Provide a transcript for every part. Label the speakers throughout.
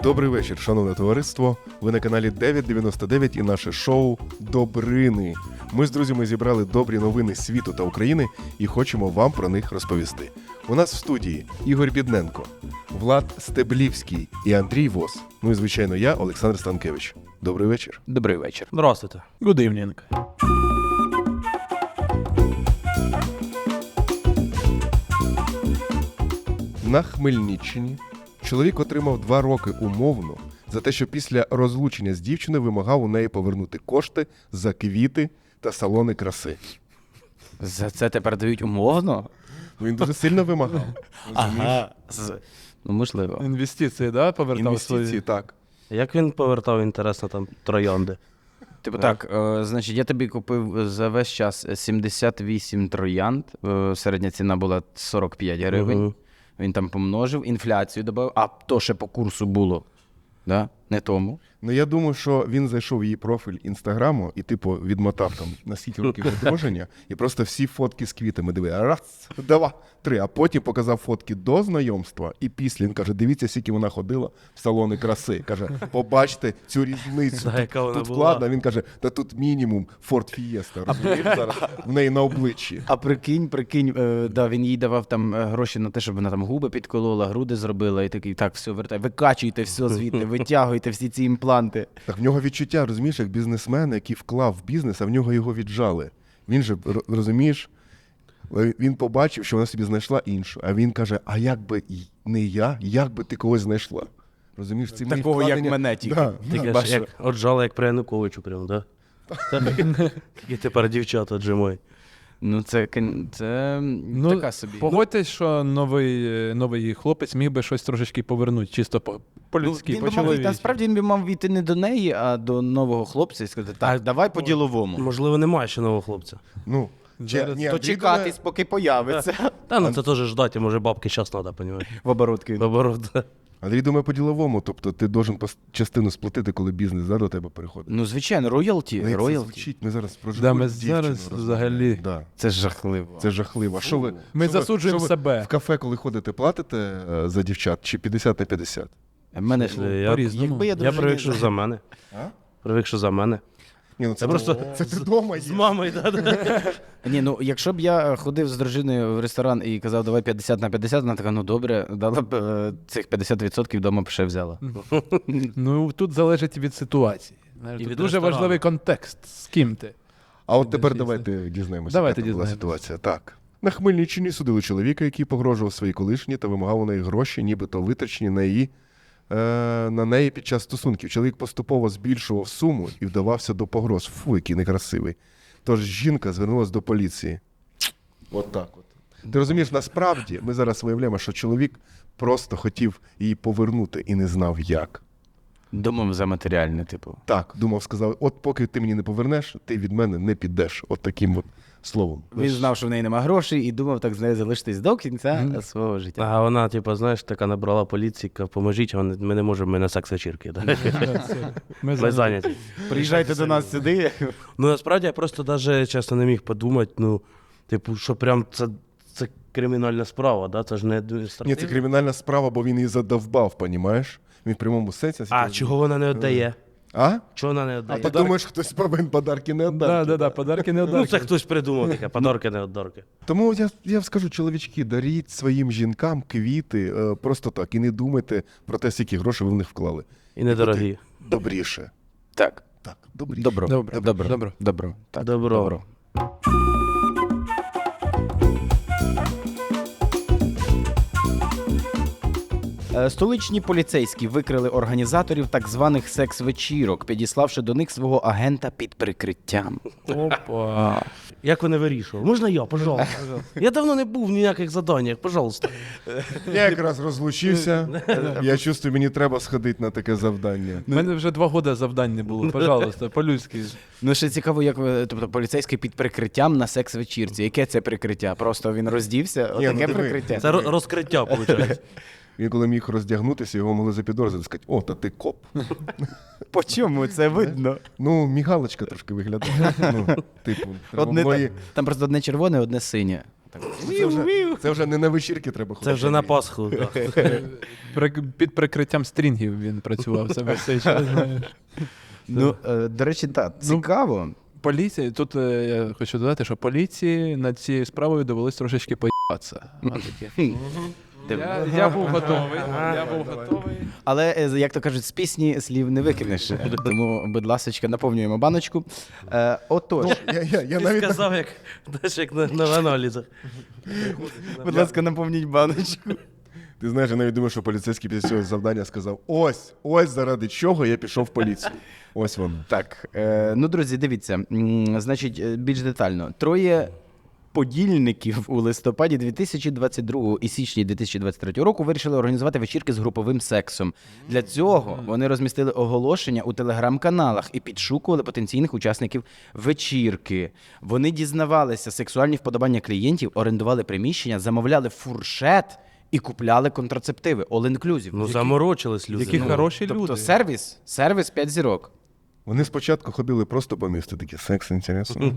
Speaker 1: Добрий вечір, шановне товариство. Ви на каналі 999 і наше шоу «Добрини». Ми з друзями зібрали добрі новини світу та України і хочемо вам про них розповісти. У нас в студії Ігор Бідненко, Влад Стеблівський і Андрій Вос. Ну і, звичайно, я, Олександр Станкевич. Добрий вечір.
Speaker 2: Добрий вечір.
Speaker 3: Здравствуйте.
Speaker 2: Good evening.
Speaker 1: На Хмельниччині чоловік отримав 2 роки умовно за те, що після розлучення з дівчиною вимагав у неї повернути кошти за квіти та салони краси.
Speaker 2: За це тепер дають умовно?
Speaker 1: Він дуже сильно вимагав.
Speaker 2: Ага. Ну, можливо.
Speaker 3: Інвестиції, да, повертав
Speaker 1: Інвестиції,
Speaker 3: свої?
Speaker 1: так.
Speaker 4: Як він повертав, інтересно, там троянди?
Speaker 2: Типу так, значить, я тобі купив за весь час 78 троянд, середня ціна була 45 гривень.
Speaker 4: Угу.
Speaker 2: Він там помножив, інфляцію додав, а то ще по курсу було. Да? Не тому.
Speaker 1: Ну, я думаю, що він зайшов в її профіль Інстаграму і, типу, відмотав там на скільки років одруження, і просто всі фотки з квітами дивив. Раз, два, три. А потім показав фотки до знайомства і після. Він каже, дивіться, скільки вона ходила в салони краси. Каже, побачте цю різницю.
Speaker 4: Да, яка вона
Speaker 1: Тут
Speaker 4: була.
Speaker 1: вкладно. Він каже, та тут мінімум Ford Fiesta, розумієш, зараз в неї на обличчі.
Speaker 2: А прикинь, да, він їй давав там гроші на те, щоб вона там губи підколола, груди зробила, і такий, так, все, вертай, викачуйте все звідти, витягуйте всі ці імпланти.
Speaker 1: Так в нього відчуття, розумієш, як бізнесмен, який вклав в бізнес, а в нього його віджали. Він же, розумієш, він побачив, що вона собі знайшла іншу, а він каже, а як би не я, як би ти когось знайшла? Розумієш, ці мої
Speaker 2: Такого, як
Speaker 1: вкладення-
Speaker 2: мене тільки.
Speaker 1: Да,
Speaker 4: Тільки
Speaker 2: Бачу.
Speaker 4: ж як отжали, як при Януковичу прям, да? Які тепер дівчата отжимають.
Speaker 2: Ну, це
Speaker 3: Ну,
Speaker 2: така собі.
Speaker 3: Погодьтесь, що новий хлопець міг би щось трошечки повернути, чисто по-людськи,
Speaker 2: Він би мав, насправді він би мав війти не до неї, а до нового хлопця і сказати, так, давай по-діловому.
Speaker 4: Можливо, немає ще нового хлопця.
Speaker 1: Ну,
Speaker 3: Зараз-
Speaker 1: ні,
Speaker 2: То
Speaker 1: Андрій
Speaker 2: чекатись, поки появиться.
Speaker 4: Та ну це теж ждати, може бабки зараз треба, понімаєш?
Speaker 2: В оборотки.
Speaker 4: Наоборот, да.
Speaker 1: Андрій думає по-діловому, тобто ти должен частину сплатити, коли бізнес до тебе переходить.
Speaker 2: Ну, звичайно, роялті.
Speaker 1: Ну, як це
Speaker 2: роялті.
Speaker 1: звучить? Ми зараз про
Speaker 3: Да,
Speaker 1: живу
Speaker 3: ми
Speaker 1: дівчину
Speaker 3: зараз
Speaker 1: розмовляємо.
Speaker 3: взагалі-
Speaker 1: Да.
Speaker 2: Це жахливо.
Speaker 1: Це жахливо. А що ви,
Speaker 3: Ми
Speaker 1: що ви-
Speaker 3: засуджуємо
Speaker 1: що ви
Speaker 3: себе.
Speaker 1: В кафе, коли ходите, платите за дівчат чи 50 на 50?
Speaker 2: В мене ж
Speaker 4: Я-
Speaker 3: По-різному.
Speaker 2: якби я
Speaker 4: Я
Speaker 2: дружині...
Speaker 4: привик, що за мене.
Speaker 1: А?
Speaker 4: Привик, що за мене.
Speaker 1: Ні, ну це
Speaker 4: просто
Speaker 1: це ти вдома
Speaker 4: З
Speaker 1: є.
Speaker 4: мамою, да.
Speaker 2: Ні, ну якщо б я ходив з дружиною в ресторан і казав, давай 50 на 50, вона така, ну добре, дала б цих 50% вдома б ще взяла.
Speaker 3: Ну, тут залежить від ситуації. Знаєш,
Speaker 4: І
Speaker 3: тут
Speaker 4: від
Speaker 3: дуже
Speaker 4: ресторану.
Speaker 3: важливий контекст, з ким ти.
Speaker 1: А от тепер
Speaker 3: Дійсно.
Speaker 1: давайте дізнаємося,
Speaker 3: Давайте
Speaker 1: яка там була
Speaker 3: дізнаємося.
Speaker 1: ситуація. Так. На Хмельниччині судили чоловіка, який погрожував своїй колишній та вимагав у неї гроші, нібито витрачені на неї під час стосунків. Чоловік поступово збільшував суму і вдавався до погроз. Фу, який некрасивий. Тож жінка звернулася до поліції. От так от. Ти розумієш, насправді ми зараз виявляємо, що чоловік просто хотів її повернути і не знав як.
Speaker 2: Думав за матеріальне, типу.
Speaker 1: Так, думав, сказав, от поки ти мені не повернеш, ти від мене не підеш. От таким от словом.
Speaker 2: Він знав, що в неї нема грошей і думав так з нею залишитись до кінця свого життя.
Speaker 4: А вона, типу, знаєш, така набрала поліції, каже, поможіть, ми не можемо, ми на секс-вечірки. Да?
Speaker 3: Ми
Speaker 4: Ми зайняті.
Speaker 2: Приїжджайте до нас сюди.
Speaker 4: Ну, насправді, я просто навіть чесно не міг подумати, ну, типу, що прям це кримінальна справа, да? Це ж не
Speaker 1: Ні,
Speaker 4: адміністративна.
Speaker 1: це кримінальна справа, бо він її задовбав, понімаєш? Він в прямому сенсі.
Speaker 4: А чого вона не віддає?
Speaker 1: А?
Speaker 4: Чого вона не
Speaker 1: А
Speaker 4: віддає?
Speaker 1: ти думаєш, хтось повинен подарки не віддати?
Speaker 3: Да, подарки не
Speaker 4: Ну,
Speaker 3: отдати.
Speaker 4: це хтось придумав таке, подарки не віддарки.
Speaker 1: Тому я скажу, чоловічки, даріть своїм жінкам квіти просто так. І не думайте про те, скільки грошей ви в них вклали.
Speaker 4: І недорогі.
Speaker 1: Добріше.
Speaker 2: Так.
Speaker 1: Так, добріше.
Speaker 2: Добро.
Speaker 3: Добре, добре.
Speaker 2: Добро. Так,
Speaker 4: Добро.
Speaker 2: Столичні поліцейські викрили організаторів так званих секс-вечірок, підіславши до них свого агента під прикриттям.
Speaker 3: Опа.
Speaker 4: Як вони вирішували? Можна я, пожалуйста? Я давно не був в ніяких заданнях, пожалуйста.
Speaker 1: Я якраз розлучився. Я чувствую, мені треба сходити на таке завдання.
Speaker 3: У мене вже 2 роки завдань не було, пожалуйста, по-людськи.
Speaker 2: Ну, ще цікаво, як тобто поліцейський під прикриттям на секс-вечірці. Яке це прикриття? Просто він роздівся?
Speaker 1: Ні, ну,
Speaker 2: Отаке
Speaker 1: диви.
Speaker 2: прикриття?
Speaker 4: Це розкриття, виходить.
Speaker 1: Він коли міг роздягнутися, його могли запідозрити, сказати, о, та ти коп.
Speaker 2: По чому це видно?
Speaker 1: Ну, мігалочка трошки виглядає. Ну, типу, треба
Speaker 2: Одне
Speaker 1: було її-
Speaker 2: там просто одне червоне, одне синє.
Speaker 1: Це вже не на вечірки треба ходити.
Speaker 4: Це вже на Пасху. Да.
Speaker 3: Під прикриттям стрінгів він працював себе цей час, знаєш.
Speaker 2: Ну, до речі, так, цікаво.
Speaker 3: Поліція, тут я хочу додати, що поліції над цією справою довелось трошечки поїбатися. Я був готовий.
Speaker 2: Але, як то кажуть, з пісні слів не викинеш. Тому, будь ласочка, наповнюємо баночку. Отож,
Speaker 1: Я
Speaker 4: Ти
Speaker 1: навіть
Speaker 4: сказав, як, знаєш, як на аналізах.
Speaker 2: будь ласка, наповніть баночку.
Speaker 1: Ти знаєш, я навіть думаю, що поліцейський після цього завдання сказав: ось заради чого я пішов в поліцію. Ось воно.
Speaker 2: Так, ну, друзі, дивіться, значить, більш детально. Троє подільників у листопаді 2022 і січні 2023 року вирішили організувати вечірки з груповим сексом. Для цього вони розмістили оголошення у телеграм-каналах і підшукували потенційних учасників вечірки. Вони дізнавалися сексуальні вподобання клієнтів, орендували приміщення, замовляли фуршет і купляли контрацептиви. All-inclusive.
Speaker 4: Ну, заморочились люди.
Speaker 3: Які
Speaker 4: ну.
Speaker 3: хороші
Speaker 2: Тобто
Speaker 3: люди.
Speaker 2: сервіс 5 зірок.
Speaker 1: Вони спочатку ходили просто по місту, такі: секс, інтересно.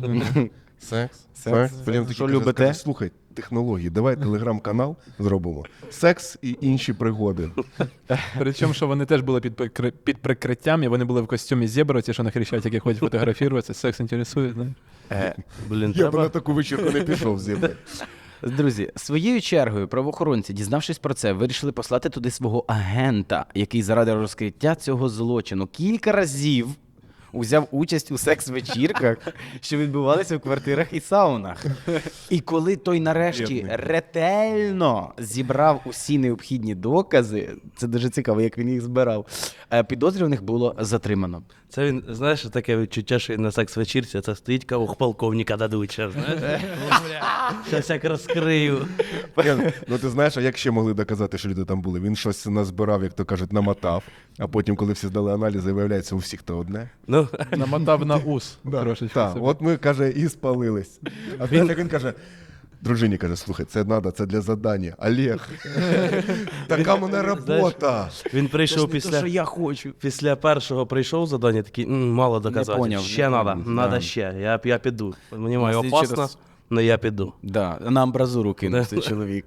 Speaker 1: Секс. Потім такі
Speaker 2: Що
Speaker 1: кажуть,
Speaker 2: любите?
Speaker 1: слухай, технології, давай телеграм-канал зробимо. Секс і інші пригоди.
Speaker 3: Причому, що вони теж були під прикриттям, і вони були в костюмі зебра, ті, що на Хрещатикі ходять фотографуватися, секс інтересує, знаєш.
Speaker 4: Блін,
Speaker 1: Я б
Speaker 4: треба.
Speaker 1: на таку вечірку не пішов з зібрати.
Speaker 2: Друзі, своєю чергою правоохоронці, дізнавшись про це, вирішили послати туди свого агента, який заради розкриття цього злочину кілька разів узяв участь у секс-вечірках, що відбувалися в квартирах і саунах. І коли той нарешті
Speaker 1: Бідний.
Speaker 2: ретельно зібрав усі необхідні докази, це дуже цікаво, як він їх збирав, підозрюваних було затримано.
Speaker 4: Це він, знаєш, таке відчуття, що він на секс-вечірці, а це стоїть кого полковника дадуть, ще, знаєш? Щас як розкрию.
Speaker 1: Ну ти знаєш, а як ще могли доказати, що люди там були? Він щось назбирав, як то кажуть, намотав, а потім, коли всі здали аналізи, виявляється, у всіх то одне.
Speaker 4: Ну,
Speaker 3: Намотав на ус трошечки.
Speaker 1: Так,
Speaker 3: собі.
Speaker 1: от ми, каже, і спалились. А він каже: дружині каже: слухай, це треба, це для задання. Олег, така мене робота.
Speaker 4: він прийшов
Speaker 2: Те, що
Speaker 4: після...
Speaker 2: я хочу.
Speaker 4: Після першого прийшов задання, такий, мало доказати.
Speaker 2: поняв,
Speaker 4: Ще
Speaker 2: не
Speaker 4: треба,
Speaker 2: поняв.
Speaker 4: треба
Speaker 2: Да.
Speaker 4: ще. Я піду. Мені має
Speaker 2: Слідчий
Speaker 4: опасно,
Speaker 2: раз.
Speaker 4: але я піду.
Speaker 2: Да, на амбразуру кинув цей чоловік.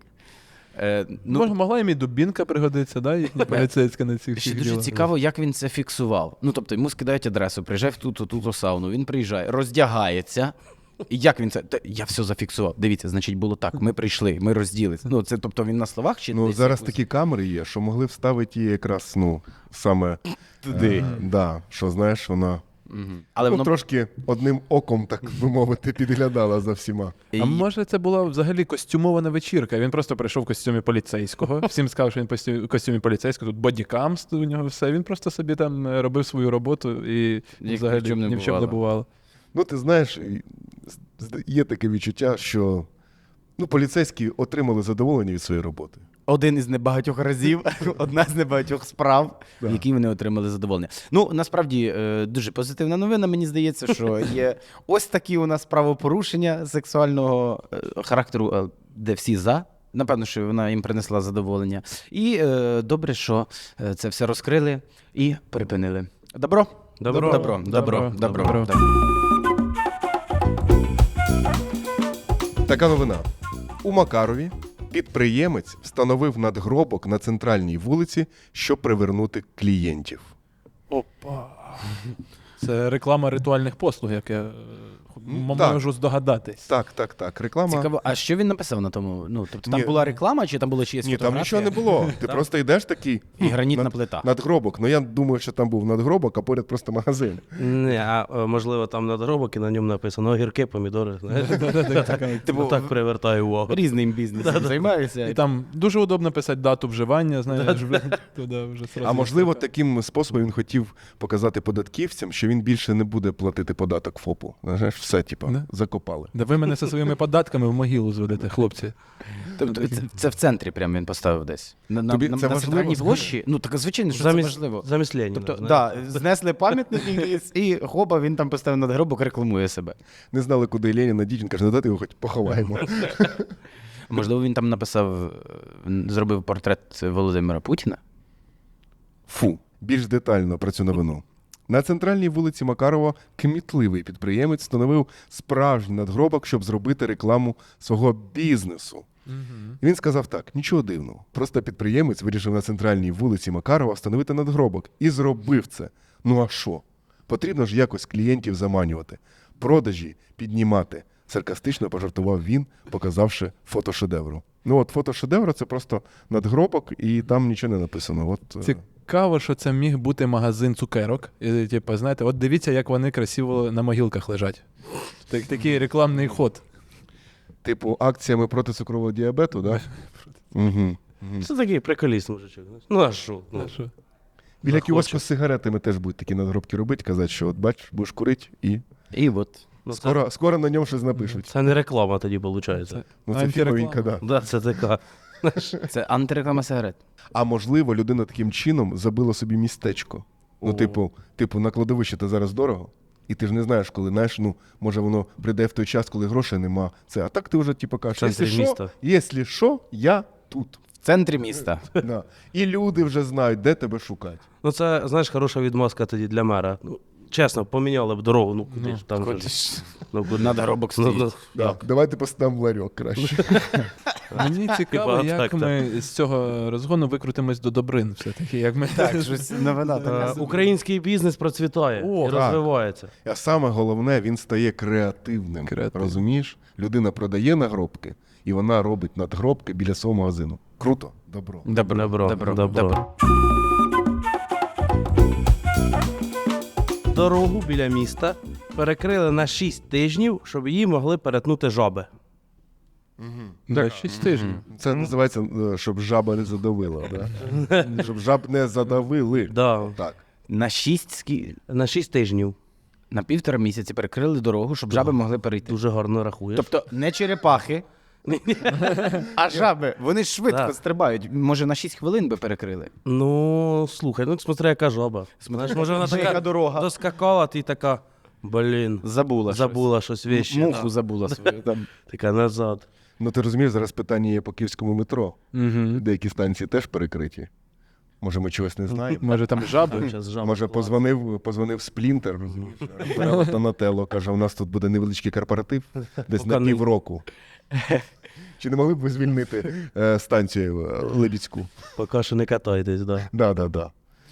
Speaker 3: Могла їм і дубінка пригодиться, да, їхня поліцейська на цих
Speaker 2: Ще
Speaker 3: всіх
Speaker 2: дуже
Speaker 3: ділах.
Speaker 2: цікаво, як він це фіксував. Ну, тобто, йому скидають адресу, приїжджай в ту сауну, він приїжджає, роздягається. І як він це? Я все зафіксував. Дивіться, значить, було так. Ми прийшли, ми розділилися. Ну, це, тобто, він на словах чи
Speaker 1: Ну,
Speaker 2: десь
Speaker 1: зараз
Speaker 2: якось?
Speaker 1: такі камери є, що могли вставити її якраз, саме
Speaker 2: Туди.
Speaker 1: Да, що, знаєш, вона
Speaker 2: Але воно...
Speaker 1: трошки одним оком, так би мовити, підглядала за всіма.
Speaker 3: А може це була взагалі костюмована вечірка? Він просто прийшов в костюмі поліцейського. Всім сказав, що він в костюмі поліцейського, тут бодікам у нього все. Він просто собі там робив свою роботу і
Speaker 2: Ні в
Speaker 3: взагалі
Speaker 2: чому не
Speaker 3: ні в чому не бувало.
Speaker 1: Ну, ти знаєш, є таке відчуття, що поліцейські отримали задоволення від своєї роботи.
Speaker 2: Один із небагатьох разів, одна з небагатьох справ, в якій вони отримали задоволення. Ну, насправді, дуже позитивна новина, мені здається, що є ось такі у нас правопорушення сексуального характеру, де всі за. Напевно, що вона їм принесла задоволення. І добре, що це все розкрили і припинили. Добро? Добро.
Speaker 1: Така новина. У Макарові підприємець встановив надгробок на центральній вулиці, щоб привернути клієнтів.
Speaker 3: Опа. Це реклама ритуальних послуг, як я
Speaker 1: так.
Speaker 3: можу здогадатись.
Speaker 1: Так. Реклама.
Speaker 2: Цікаво, а що він написав на тому? Ну, тобто там
Speaker 1: Ні.
Speaker 2: була реклама, чи там було чиєсь
Speaker 1: Ні, там
Speaker 2: фотографія?
Speaker 1: нічого не було. Ти просто йдеш такий.
Speaker 2: І гранітна плита.
Speaker 1: Надгробок. Ну я думаю, що там був надгробок, а поряд просто магазин.
Speaker 4: Ні, а можливо, там надгробок і на ньому написано огірки, помідори. Знаєш?
Speaker 2: Типу,
Speaker 4: Так привертає увагу.
Speaker 2: Різним бізнесом займаюся.
Speaker 3: І там дуже удобно писати дату вживання, знаєш, туди вже сразу.
Speaker 1: А можливо, таким способом він хотів показати податківцям, що він більше не буде платити податок ФОПу. Знаєш, все,
Speaker 3: Да.
Speaker 1: закопали.
Speaker 3: Да ви мене зі своїми податками в могилу зведете, хлопці.
Speaker 2: Тобто це в центрі прям він поставив десь. На
Speaker 1: Тобі це
Speaker 2: на
Speaker 1: важливо
Speaker 2: центральній
Speaker 1: сказати?
Speaker 2: площі? Ну, так звичайно, що це важливо.
Speaker 4: Замість Леніна.
Speaker 2: Тобто,
Speaker 4: знаєш.
Speaker 2: да, знесли пам'ятник і хоба, він там поставив надгробок, рекламує себе.
Speaker 1: Не знали, куди Леніна діть, він каже: ну дайте його хоч поховаємо.
Speaker 2: Можливо, він там написав, зробив портрет Володимира Путіна?
Speaker 1: Фу. Більш детально про цю новину. На центральній вулиці Макарова кмітливий підприємець встановив справжній надгробок, щоб зробити рекламу свого бізнесу. І він сказав так: нічого дивного. Просто підприємець вирішив на центральній вулиці Макарова встановити надгробок. І зробив це. Ну а що? Потрібно ж якось клієнтів заманювати, продажі піднімати. Саркастично пожартував він, показавши фото шедевру. Ну от фото шедевру — це просто надгробок, і там нічого не написано. От,
Speaker 3: Цікаво, що це міг бути магазин цукерок. І, типу, знаєте, от дивіться, як вони красиво на могилках лежать. Такий рекламний ход.
Speaker 1: типу акціями проти цукрового діабету, так? Да? Угу.
Speaker 4: Це такий приколіст, мужичок. Ну а що? Ну,
Speaker 3: Що?
Speaker 1: Біля
Speaker 4: Захоче.
Speaker 1: кіоску з сигаретами теж будуть такі надгробки робити, казати, що от бач, будеш курити і
Speaker 2: І от.
Speaker 4: ну,
Speaker 1: скоро на ньому щось напишуть.
Speaker 4: це не реклама тоді, виходить.
Speaker 1: Ну це
Speaker 3: антиреклама.
Speaker 1: фіговенька, да.
Speaker 4: Да, це така.
Speaker 2: Це антиреклама сигарет.
Speaker 1: А можливо, людина таким чином забила собі містечко. Ну,
Speaker 4: О.
Speaker 1: типу, на кладовище то зараз дорого, і ти ж не знаєш, коли, знаєш, ну, може воно прийде в той час, коли грошей нема. Це, а так ти вже типу кажеш,
Speaker 4: В центрі міста.
Speaker 1: якщо що, я тут.
Speaker 2: В центрі міста.
Speaker 1: Да. І люди вже знають, де тебе шукати.
Speaker 4: Ну це, знаєш, хороша відмазка тоді для мера. Ну, чесно, поміняли б дорогу, ну куди ж там.
Speaker 2: Куди
Speaker 4: же ж.
Speaker 2: ж?
Speaker 4: Ну, куди?
Speaker 2: Надгробок
Speaker 4: Ну,
Speaker 2: стоїть.
Speaker 1: Так, давайте поставимо ларьок краще.
Speaker 3: Мені цікаво,
Speaker 4: Типа,
Speaker 3: як
Speaker 4: так,
Speaker 3: ми з цього розгону викрутимось до Добрин все-таки. Як ми...
Speaker 2: Так, щось новина така.
Speaker 4: Український бізнес процвітає
Speaker 3: О,
Speaker 4: і
Speaker 1: так.
Speaker 4: розвивається.
Speaker 1: А саме головне, він стає креативним. Розумієш? Людина продає нагробки, і вона робить надгробки біля свого магазину. Круто, добро.
Speaker 4: Добро. Дорогу біля міста перекрили на 6 тижнів, щоб її могли перетнути жаби.
Speaker 3: Так, 6 тижнів.
Speaker 1: Це називається, щоб жаба не задавила. Да? Щоб жаб не задавили.
Speaker 4: Да.
Speaker 1: Так.
Speaker 2: На
Speaker 4: На 6 тижнів.
Speaker 2: на 1,5 місяці перекрили дорогу, щоб жаби могли перейти.
Speaker 4: Дуже гарно рахуєш.
Speaker 2: Тобто не черепахи, а жаби. Вони швидко
Speaker 4: Так.
Speaker 2: стрибають. Може, на 6 хвилин би перекрили.
Speaker 4: Ну, слухай, ну смотри, яка жаба. Знаєш, може вона
Speaker 2: Яка
Speaker 4: така
Speaker 2: дорога.
Speaker 4: доскакала, ти така, блін,
Speaker 2: Забула
Speaker 4: щось вещі.
Speaker 2: Муху забула свою. Там.
Speaker 4: Така назад.
Speaker 1: Ну ти розумієш, зараз питання є по київському метро. Деякі станції теж перекриті. Може, ми чогось не знаємо.
Speaker 3: Може там жаби?
Speaker 4: Щас жаба
Speaker 1: Може,
Speaker 4: клас.
Speaker 1: позвонив Сплінтер, розумієш, Реферал Донателло, каже, у нас тут буде невеличкий корпоратив, десь
Speaker 4: Поки
Speaker 1: на
Speaker 4: не-
Speaker 1: півроку. Чи не могли б ви звільнити станцію Лебідську?
Speaker 4: Поки що не катайтесь, да.
Speaker 1: Да.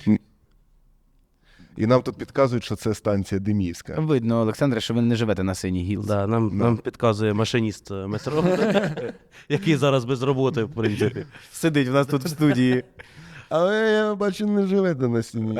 Speaker 1: І нам тут підказують, що це станція Деміївська.
Speaker 2: Видно, Олександре, що ви не живете на синій гілці.
Speaker 4: Да, нам підказує машиніст метро, який зараз без роботи, в принципі.
Speaker 2: Сидить в нас тут в студії.
Speaker 1: Але я бачу, не живете на стіні.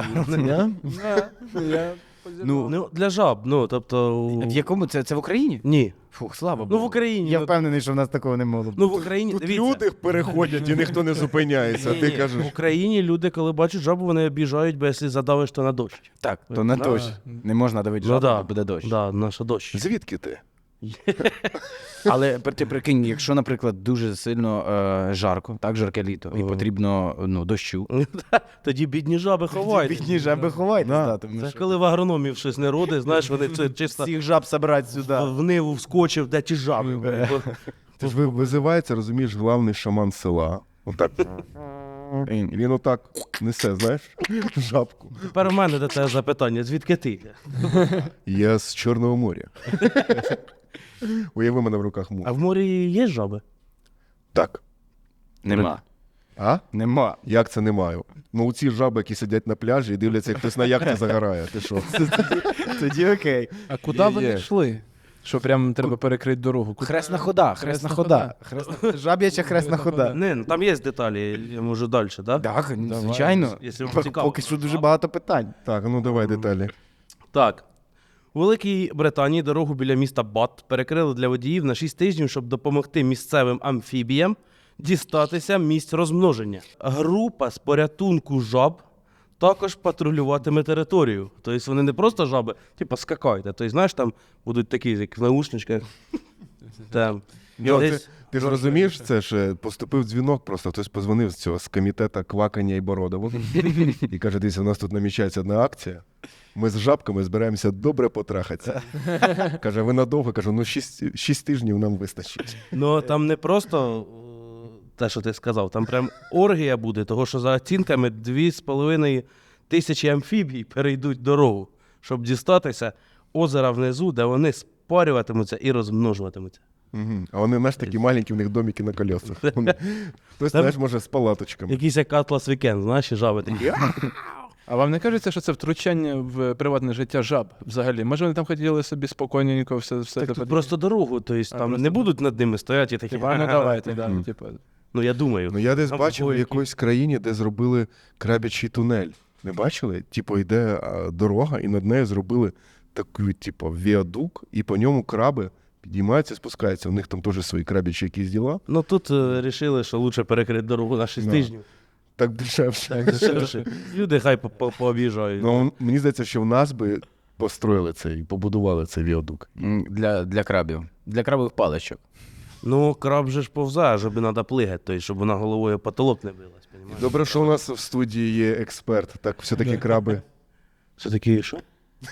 Speaker 4: Ну, для жаб, ну, тобто...
Speaker 2: В якому це в Україні?
Speaker 4: Ні.
Speaker 2: Фух, слава Богу.
Speaker 4: Ну, в Україні.
Speaker 2: Я
Speaker 4: ну,
Speaker 2: впевнений, що в нас такого не могло б.
Speaker 4: Ну, в Україні,
Speaker 1: Тут
Speaker 4: дивіться.
Speaker 1: люди переходять і ніхто не зупиняється, а ти
Speaker 4: Ні-ні,
Speaker 1: кажеш.
Speaker 4: в Україні люди, коли бачать жабу, вони обіжають, бо якщо задавиш, то на дощ.
Speaker 2: Так, то на
Speaker 4: Да.
Speaker 2: дощ. Не можна давити
Speaker 4: Ну,
Speaker 2: жабу,
Speaker 4: да.
Speaker 2: то буде дощ.
Speaker 4: Да, наша дощ.
Speaker 1: Звідки ти?
Speaker 2: Але ти прикинь, якщо, наприклад, дуже сильно жарко, так, жарке літо, і потрібно дощу.
Speaker 4: Тоді бідні жаби ховають.
Speaker 2: Бідні жаби ховайтесь,
Speaker 1: Да.
Speaker 2: да, тому
Speaker 4: Це
Speaker 2: що
Speaker 4: коли в агрономів щось не родить, знаєш, вони це чисто
Speaker 2: всіх жаб собрати сюди.
Speaker 4: в ниву вскочив, де ті жаби.
Speaker 1: Ти ж визивається, розумієш, главний шаман села. Отак. І він отак несе, знаєш, жабку.
Speaker 4: Тепер у мене до тебе запитання, звідки ти?
Speaker 1: Я з Чорного моря. Уяви мене в руках мух.
Speaker 4: А в морі є жаби?
Speaker 1: Так.
Speaker 2: Нема.
Speaker 1: А?
Speaker 2: Нема.
Speaker 1: Як це не маю? Ну, у ці жаби, які сидять на пляжі і дивляться, як хтось на яхті загорає. Ти що?
Speaker 2: Тоді окей.
Speaker 3: А куди вони йшли? Що прям треба перекрити дорогу? Куди?
Speaker 2: Хресна хода, хресна хода. Жаб'яча хресна хода.
Speaker 4: Не, ну там є деталі, я можу далі, так?
Speaker 2: Так, звичайно.
Speaker 4: Якщо вам цікаво.
Speaker 2: Поки що дуже багато питань.
Speaker 1: Так, ну давай деталі.
Speaker 4: Так. У Великій Британії дорогу біля міста Бат перекрили для водіїв на 6 тижнів, щоб допомогти місцевим амфібіям дістатися місць розмноження. Група з порятунку жаб також патрулюватиме територію. Тобто вони не просто жаби, типу скакають, а тобто, знаєш, там будуть такі, як в наушничках. Там. Десь-
Speaker 1: Ти ж розумієш, це ж поступив дзвінок, просто хтось позвонив з цього з комітету Квакання і Бородову і каже, дивіться, у нас тут намічається одна акція. Ми з жабками збираємося добре потрахатися. Каже, ви надовго? Кажу, ну 6 тижнів нам вистачить.
Speaker 4: Ну там не просто те, що ти сказав, там прям оргія буде, того що за оцінками 2,5 тисячі амфібій перейдуть дорогу. щоб дістатися озера внизу, де вони спарюватимуться і розмножуватимуться.
Speaker 1: Угу. А вони, знаєш, такі маленькі, в них домики на колесах. Хтось,
Speaker 4: Там-
Speaker 1: знаєш, може, з палаточками.
Speaker 4: Якийсь як Атлас Вікенд, знаєш, і жаби такі.
Speaker 3: А вам не кажеться, що це втручання в приватне життя жаб взагалі? Може, вони там хотіли собі спокійненько все
Speaker 4: Так
Speaker 3: це
Speaker 4: тут просто дорогу, тобто там
Speaker 3: просто-
Speaker 4: не будуть над ними стояти і такі.
Speaker 3: Типа, ну давайте, да,
Speaker 1: Мгм.
Speaker 3: типа.
Speaker 4: Ну я думаю.
Speaker 1: Ну, я десь
Speaker 4: Там
Speaker 1: бачив в
Speaker 4: такої-
Speaker 1: якоїсь країні, де зробили крабячий тунель. Не бачили? Типу, йде дорога, і над нею зробили такий, типу, віадук, і по ньому краби підіймаються, спускаються. У них там теж свої крабячі якісь діла.
Speaker 4: Ну тут вирішили, що лучше перекрити дорогу на 6
Speaker 1: Да.
Speaker 4: тижнів.
Speaker 1: Так дешевше.
Speaker 4: Так, дешевше. Люди хай пооб'їжджають.
Speaker 1: Ну, мені здається, що в нас би построїли це і побудували цей віадук.
Speaker 2: Для крабів. Для крабових паличок.
Speaker 4: Ну, краб же ж повзає, щоб треба плигати, тобто, щоб вона головою в потолок не билась. Понімаєш?
Speaker 1: Добре, що у нас в студії є експерт. Так, все-таки краби.
Speaker 4: Все таки, що?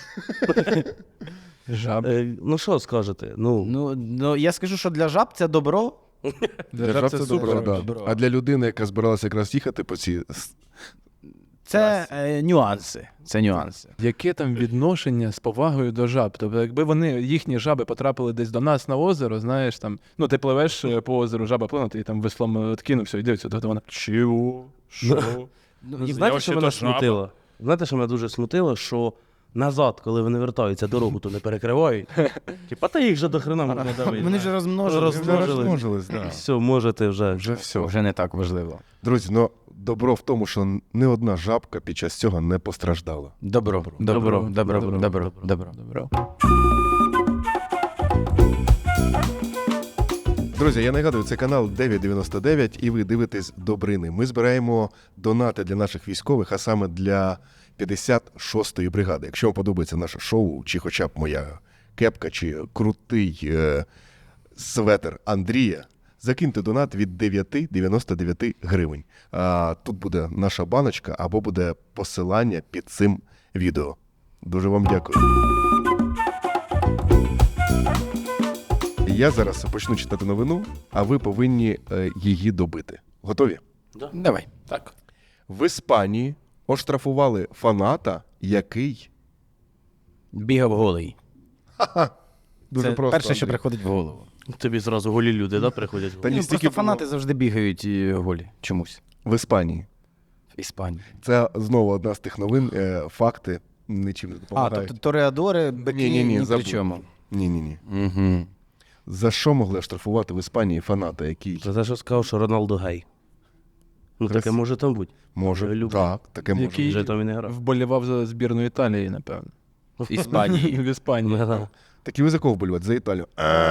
Speaker 3: Жаб.
Speaker 4: Ну що скажете? Ну,
Speaker 2: Ну, я скажу, що для жаб це добро.
Speaker 1: Для жаб це добре, да.
Speaker 2: добро.
Speaker 1: А для людини, яка збиралася якраз їхати по цій.
Speaker 2: Це нюанси. Це нюанси.
Speaker 3: Яке там відношення з повагою до жаб? Тобто, якби вони, їхні жаби потрапили десь до нас на озеро, знаєш, там, ну ти пливеш по озеру, жаба плине, ти там веслом откинувся і дивиться, то вона чого? Що?
Speaker 2: Ну,
Speaker 3: і
Speaker 4: знаєте, що
Speaker 3: я
Speaker 4: мене
Speaker 3: вообще-то жаба.
Speaker 4: смутило? Знаєте, що мене дуже смутило, що назад, коли вони вертаються, дорогу то не перекривають. Типа, та їх же до хрена можна давити.
Speaker 2: Вони ж розмножились.
Speaker 4: Розмножились.
Speaker 1: да.
Speaker 4: Все, можете вже.
Speaker 1: Вже все.
Speaker 2: Вже не так важливо.
Speaker 1: Друзі, ну добро в тому, що не одна жабка під час цього не постраждала.
Speaker 2: Добро.
Speaker 3: Добро.
Speaker 1: Друзі, я нагадую, це канал 999 і ви дивитесь Добрини. Ми збираємо донати для наших військових, а саме для 56-ї бригади. Якщо вам подобається наше шоу, чи хоча б моя кепка, чи крутий светр Андрія, закиньте донат від 9,99 гривень. Тут буде наша баночка або буде посилання під цим відео. Дуже вам дякую. Я зараз почну читати новину, а ви повинні її добити. Готові?
Speaker 2: Давай.
Speaker 3: Так.
Speaker 1: В Іспанії оштрафували фаната, який...
Speaker 2: Бігав голий.
Speaker 1: Дуже
Speaker 2: Це
Speaker 1: просто,
Speaker 2: перше, що
Speaker 1: Андрій.
Speaker 2: приходить в голову.
Speaker 4: Тобі зразу голі люди, да, приходять?
Speaker 1: Та ні,
Speaker 2: Ну,
Speaker 1: стільки
Speaker 2: просто фанати
Speaker 1: було.
Speaker 2: завжди бігають голі. Чомусь.
Speaker 1: В Іспанії.
Speaker 2: В Іспанії.
Speaker 1: Це знову одна з тих новин, факти нічим не
Speaker 2: А,
Speaker 1: допомагають.
Speaker 2: тобто тореадори, бики,
Speaker 1: Ні-ні-ні,
Speaker 2: ні при
Speaker 1: забудь.
Speaker 2: чому.
Speaker 1: Ні.
Speaker 2: Угу.
Speaker 1: За що могли оштрафувати в Іспанії фаната, який
Speaker 4: За те, що сказав, що Роналдо гей. Ну, таке
Speaker 1: Красиво.
Speaker 4: може там бути.
Speaker 1: може...
Speaker 4: люблю.
Speaker 1: Так, таке може.
Speaker 3: Який
Speaker 4: Вже там і не грав.
Speaker 3: вболівав за збірну Італії, напевно.
Speaker 2: В Іспанії.
Speaker 3: В Іспанії.
Speaker 1: Так і ви за кого вболівати? За Італію?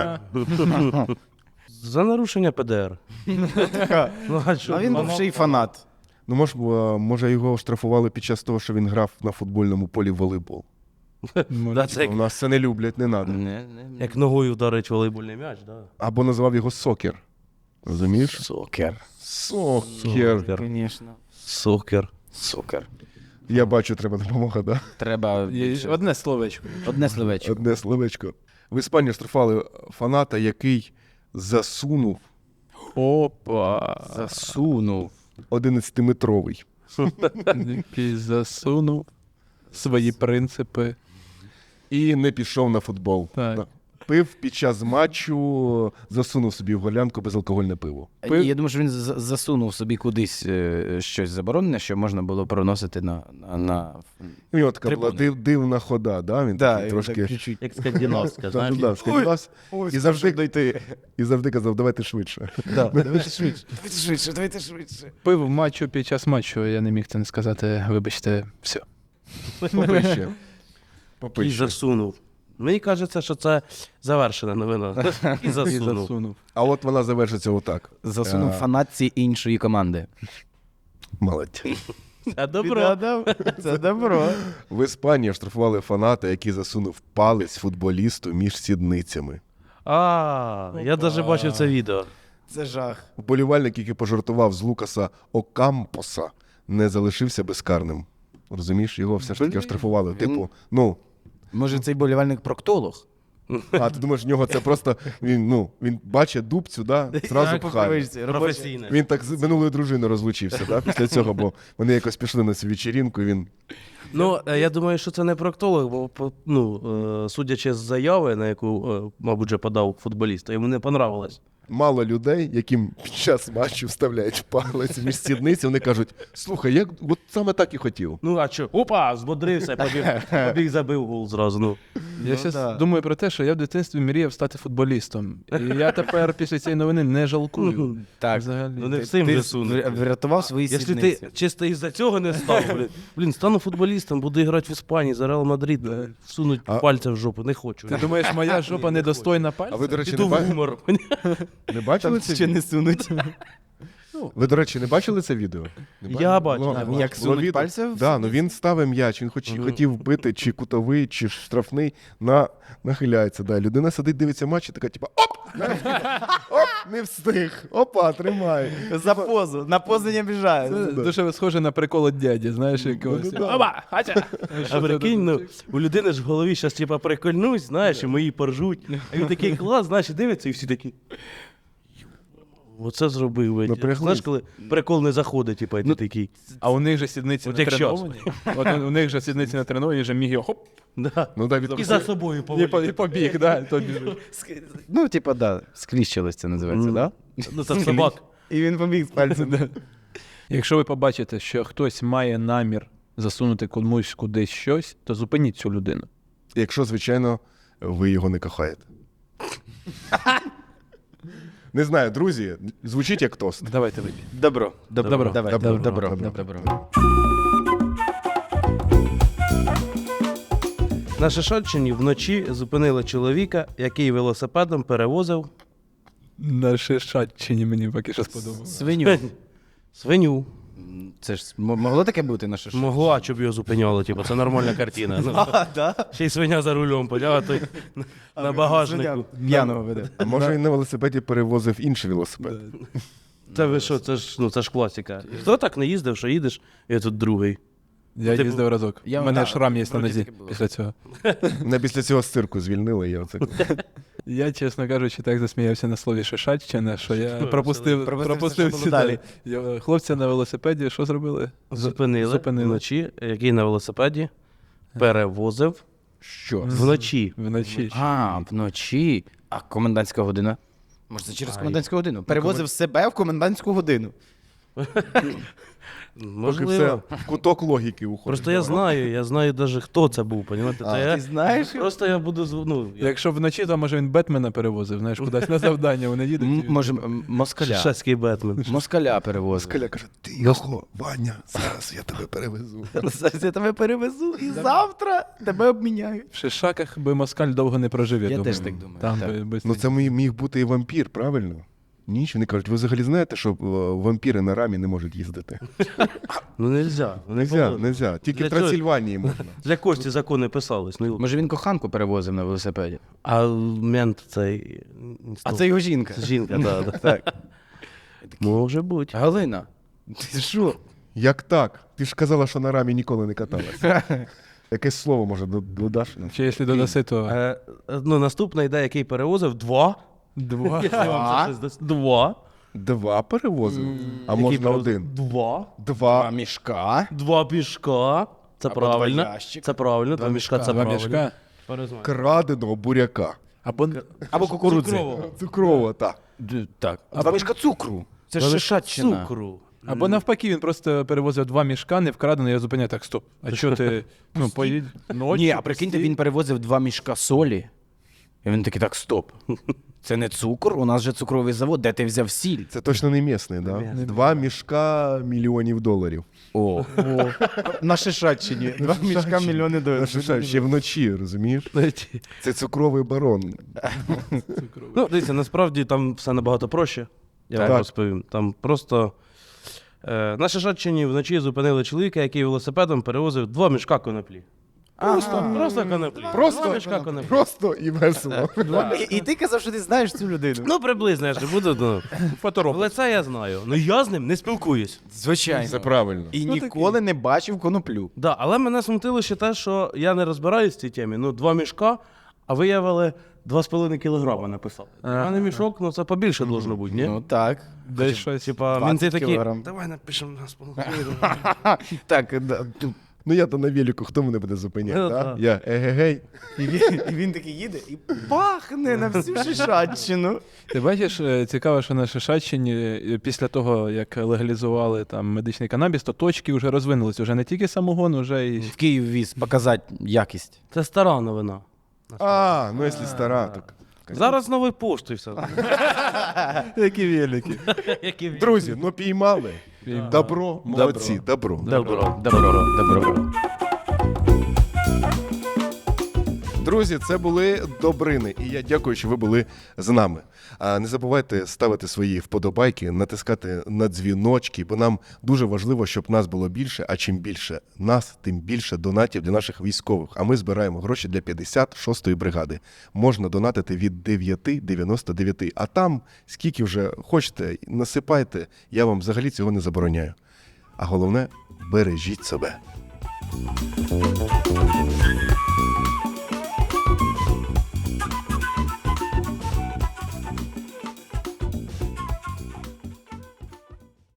Speaker 4: За нарушення ПДР. Ну, а що?
Speaker 2: А він був ще й фанат.
Speaker 1: Ну, може, його оштрафували під час того, що він грав на футбольному полі в волейбол.
Speaker 4: Да, це
Speaker 1: У нас це не люблять, не треба.
Speaker 4: як ногою вдарить волейбольний м'яч, да?
Speaker 1: Або називав його сокер. Розумієш?
Speaker 2: Сокер.
Speaker 1: Сокер.
Speaker 2: Звісно.
Speaker 4: Сокер.
Speaker 2: Сокер.
Speaker 1: Я бачу, треба допомога, да?
Speaker 2: Треба
Speaker 3: Є
Speaker 2: більше.
Speaker 3: одне словечко.
Speaker 2: Одне словечко.
Speaker 1: Одне словечко. В Іспанії штрафували фаната, який засунув
Speaker 3: Опа.
Speaker 2: Засунув.
Speaker 1: 11-метровий.
Speaker 3: Який засунув свої принципи.
Speaker 1: І не пішов на футбол.
Speaker 3: Так.
Speaker 1: Да. Пив під час матчу, засунув собі в голянку безалкогольне пиво.
Speaker 2: Ні, я думаю, що він засунув собі кудись щось заборонене, що можна було проносити на...
Speaker 1: І у нього така була
Speaker 2: Трибуни.
Speaker 1: дивна хода, да? Він такий трошки...
Speaker 4: Як скандинавська, знаєш?
Speaker 1: Да, скандинавсь. І завжди казав, давайте швидше.
Speaker 2: Давайте швидше. Давайте швидше.
Speaker 3: Пив в матчу під час матчу, я не міг це не сказати, вибачте, все.
Speaker 1: Попище.
Speaker 4: І
Speaker 1: Попище.
Speaker 4: засунув. Мені кажеться, що це завершена новина. І
Speaker 3: І
Speaker 4: засунув.
Speaker 3: засунув.
Speaker 1: А от вона завершиться отак.
Speaker 2: Засунув фанатці іншої команди.
Speaker 1: Молодець.
Speaker 4: Це добро.
Speaker 2: Це добро.
Speaker 1: В Іспанії штрафували фаната, який засунув палець футболісту між сідницями.
Speaker 4: Я навіть бачив це відео.
Speaker 2: Це жах.
Speaker 1: Вболівальник, який пожартував з Лукаса Окампоса, не залишився безкарним. Розумієш, його все ж таки оштрафували. Типу, ну,
Speaker 2: Може, цей болівальник проктолог?
Speaker 1: А ти думаєш, в нього це просто він бачить дубцю, да, зразу
Speaker 2: Так,
Speaker 1: пхає.
Speaker 2: вишці, робочі.
Speaker 4: Професійне.
Speaker 1: Він так з минулою дружиною розлучився, да, після цього, бо вони якось пішли на цю вечірінку, і він
Speaker 4: Ну, я думаю, що це не проктолог, бо судячи з заяви, на яку, мабуть, вже подав футболіст, йому не понравилось.
Speaker 1: мало людей, яким під час матчу вставляють палець між сідниці, вони кажуть: слухай, я от саме так і хотів.
Speaker 4: Ну, а що? Опа, збодрився, побіг забив гол зразу. Ну.
Speaker 3: Я зараз думаю про те, що я в дитинстві мріяв стати футболістом. І я тепер після цієї новини не жалкую.
Speaker 2: Так.
Speaker 3: Взагалі.
Speaker 4: Ну, не всім же сунуть.
Speaker 2: Врятував свої
Speaker 4: Якщо
Speaker 2: сідниці.
Speaker 4: ти чисто із-за цього не став, блін, стану футболістом, буду грати в Іспанії за Реал Мадрид, всунуть пальця в жопу, не хочу.
Speaker 3: Ти думаєш, моя жопа недостойна
Speaker 1: А
Speaker 3: пальця?
Speaker 1: ви, до речі,
Speaker 4: Піду
Speaker 1: не,
Speaker 4: в гумор.
Speaker 1: не бачили це
Speaker 2: Ще
Speaker 1: відео?
Speaker 2: не сунуть.
Speaker 1: Ви, до речі, не бачили це відео? Не
Speaker 4: Я
Speaker 1: бачили?
Speaker 4: бачив.
Speaker 1: Було-
Speaker 2: Як
Speaker 1: було
Speaker 2: сунуть
Speaker 1: відео.
Speaker 2: пальця в
Speaker 1: Да, ну він ставив м'яч, він хотів вбити чи кутовий, чи штрафний, нахиляється. Да. Людина сидить, дивиться матч і така, типа, оп! Оп, не встиг. Опа, тримай.
Speaker 2: За позу. На позу не обіжаю.
Speaker 3: Це дуже схоже на прикол от дяді, знаєш, якогось.
Speaker 1: Ну, да.
Speaker 3: Оба, хатя!
Speaker 4: А прикинь, ну, у людини ж в голові зараз типа прикольнусь, знаєш, і мої поржуть. А він такий клас, знаєш, і дивиться, і всі такі. Оце зробив. блядь.
Speaker 1: Напряглись.
Speaker 4: Знаєш, коли прикол не заходить, типа, і ти такий.
Speaker 3: А у них же сідниці
Speaker 4: От як
Speaker 3: натреновані. От у них же сідниці натреновані, вже міг його хоп,
Speaker 4: Да.
Speaker 1: Ну, да,
Speaker 4: І за собою
Speaker 3: і
Speaker 4: поводить.
Speaker 3: побіг, да, то біжить.
Speaker 2: Ну, типа, да, скліщилось це називається, да?
Speaker 4: Ну, це собак.
Speaker 2: І він побіг з пальцем.
Speaker 3: Якщо ви побачите, що хтось має намір засунути комусь кудись щось, то зупиніть цю людину.
Speaker 1: Якщо, звичайно, ви його не кохаєте. Не знаю, друзі, звучить як тост.
Speaker 3: Давайте вип'ємо.
Speaker 2: Добро.
Speaker 3: Добро.
Speaker 2: Давай,
Speaker 1: Добро.
Speaker 2: добро.
Speaker 1: Добро.
Speaker 2: Добро.
Speaker 4: На Шишаччині вночі зупинили чоловіка, який велосипедом перевозив
Speaker 3: На Шишаччині мені поки що сподобалося.
Speaker 2: Свиню.
Speaker 4: свиню.
Speaker 2: Це ж могло таке бути на що?
Speaker 4: Могла, щоб його зупиняло, типу, це нормальна картина. Ну, ще й свиня за рулем, поняв, а той на багажнику.
Speaker 2: П'яного веде.
Speaker 1: А може він на велосипеді перевозив інший велосипед?
Speaker 4: Це ви що, це ж класика. Хто так не їздив, що їдеш, і тут другий.
Speaker 3: Я
Speaker 4: Типу,
Speaker 3: їздив разок. У мене шрам є на нозі
Speaker 2: таке було.
Speaker 3: після цього.
Speaker 1: Не після цього з цирку звільнили. Я оце.
Speaker 3: Я, чесно кажучи, так засміявся на слові Шишаччина, що я пропустив
Speaker 2: Пропустив все, що було
Speaker 3: сюди.
Speaker 2: далі.
Speaker 3: Хлопця на велосипеді, що зробили?
Speaker 4: Зупинили вночі, який на велосипеді перевозив
Speaker 2: Що?
Speaker 4: вночі.
Speaker 3: Вночі.
Speaker 2: А, вночі. А комендантська година? Може, це через комендантську годину? Перевозив себе в комендантську годину.
Speaker 1: Поки
Speaker 4: Можливо.
Speaker 1: все в куток логіки уходить.
Speaker 4: Просто я знаю навіть, хто це був, понімаєте? Це я,
Speaker 2: Ти знаєш?
Speaker 4: просто я буду,
Speaker 3: Якщо вночі, то може він Бетмена перевозив, знаєш, кудись на завдання вони їдуть.
Speaker 2: Може, москаля.
Speaker 4: шашський Бетмен.
Speaker 2: Москаля перевозив.
Speaker 1: Скаля каже, ти його, Ваня, зараз я тебе перевезу.
Speaker 2: Зараз я тебе перевезу і завтра тебе обміняю.
Speaker 3: В Шишаках би москаль довго не прожив, я
Speaker 2: Я
Speaker 3: думаю.
Speaker 2: теж так думаю,
Speaker 3: Там
Speaker 2: так.
Speaker 3: би
Speaker 1: Ну це міг бути і вампір, правильно? Ніч, вони кажуть, ви взагалі знаєте, що вампіри на рамі не можуть їздити?
Speaker 4: Ну нельзя.
Speaker 1: Нельзя. Тільки
Speaker 4: Для
Speaker 1: в Трансильванії можна.
Speaker 4: Для Кості закони писались. Ну,
Speaker 2: Може, він коханку перевозив на велосипеді.
Speaker 4: а мент цей...
Speaker 2: А це його жінка.
Speaker 4: Це жінка, да.
Speaker 2: Так.
Speaker 4: Може бути.
Speaker 2: Галина, ти що?
Speaker 1: Як так? Ти ж казала, що на рамі ніколи не каталася. Якесь слово, може, додаш?
Speaker 3: Чи якщо додаси, то
Speaker 4: Ну, наступна ідея, який перевозив, два.
Speaker 3: два.
Speaker 4: Я вам це щось дасть. Два.
Speaker 1: Два перевозив? А
Speaker 4: Який
Speaker 1: можна
Speaker 4: перевозив?
Speaker 1: один?
Speaker 4: Два.
Speaker 1: Два.
Speaker 2: мішка.
Speaker 4: Два пішка. Це
Speaker 2: Або
Speaker 4: правильно.
Speaker 2: два ящика.
Speaker 4: Це правильно. Два мішка, це
Speaker 3: Два
Speaker 4: правильно.
Speaker 3: мішка.
Speaker 1: Краденого буряка.
Speaker 2: Або кукурудзи.
Speaker 4: Цукрового.
Speaker 1: Цукрова, так.
Speaker 2: Так. Два мішка цукру. Це ж Шишаччина.
Speaker 4: Цукру.
Speaker 3: Або навпаки, він просто перевозив два мішка, не вкрадено, я зупиняю, так, стоп. А що ти, поїдь ночі?
Speaker 2: Ні, а прикиньте, він перевозив 2 мішка солі. І він такий, так, стоп. Це не цукор, у нас же цукровий завод, де ти взяв сіль?
Speaker 1: Це точно не місний, да? Два мішка $мільйонів.
Speaker 2: О. На Шишаччині. 2 мішка мільйони доларів.
Speaker 1: Ще вночі, розумієш? Це цукровий барон.
Speaker 4: Ну, дивіться, насправді там все набагато проще. Я
Speaker 1: Так.
Speaker 4: вам розповім. Там просто на Шишаччині вночі зупинили чоловіка, який велосипедом перевозив 2 мішка коноплі. Просто коноплі. Два мішка коноплі.
Speaker 1: Просто і весело.
Speaker 2: І ти казав, що ти знаєш цю людину.
Speaker 4: Ну, приблизно, я ж не буду. Ну. Але це я знаю. Ну я з ним не спілкуюсь.
Speaker 2: Звичайно.
Speaker 1: Це правильно.
Speaker 2: І ніколи не бачив коноплю.
Speaker 4: Да, але мене смутило ще те, що я не розбираюсь в цій темі. Ну, 2 мішка, А виявили 2,5 кілограма написали. А не мішок, ну це побільше должно бути, ні?
Speaker 2: Ну так.
Speaker 3: Десь щось.
Speaker 4: Типа,
Speaker 2: 20
Speaker 4: мінти такі,
Speaker 2: кілограм.
Speaker 4: давай напишемо 2,5 кілограма.
Speaker 2: Так, да, тут.
Speaker 1: Ну я то на велику, хто мене буде зупиняти?
Speaker 4: Ну,
Speaker 1: Да?
Speaker 4: так.
Speaker 1: Я егегей.
Speaker 2: І він такий їде і пахне на всю Шишаччину.
Speaker 3: Ти бачиш, цікаво, що на Шишаччині після того, як легалізували там медичний канабіс, то точки вже розвинулися. Вже не тільки самогон, вже і
Speaker 2: В Київ віз показати якість.
Speaker 4: Це стара новина.
Speaker 1: А, ну якщо стара, то...
Speaker 4: Зараз новий поштою все.
Speaker 1: Які великі. Друзі, ну піймали. Добро, молодці, добро.
Speaker 2: Добро, добро.
Speaker 1: Друзі, це були Добрини, і я дякую, що ви були з нами. А не забувайте ставити свої вподобайки, натискати на дзвіночки, бо нам дуже важливо, щоб нас було більше, а чим більше нас, тим більше донатів для наших військових. А ми збираємо гроші для 56-ї бригади. Можна донатити від 9,99, а там, скільки вже хочете, насипайте, я вам взагалі цього не забороняю. А головне, бережіть себе.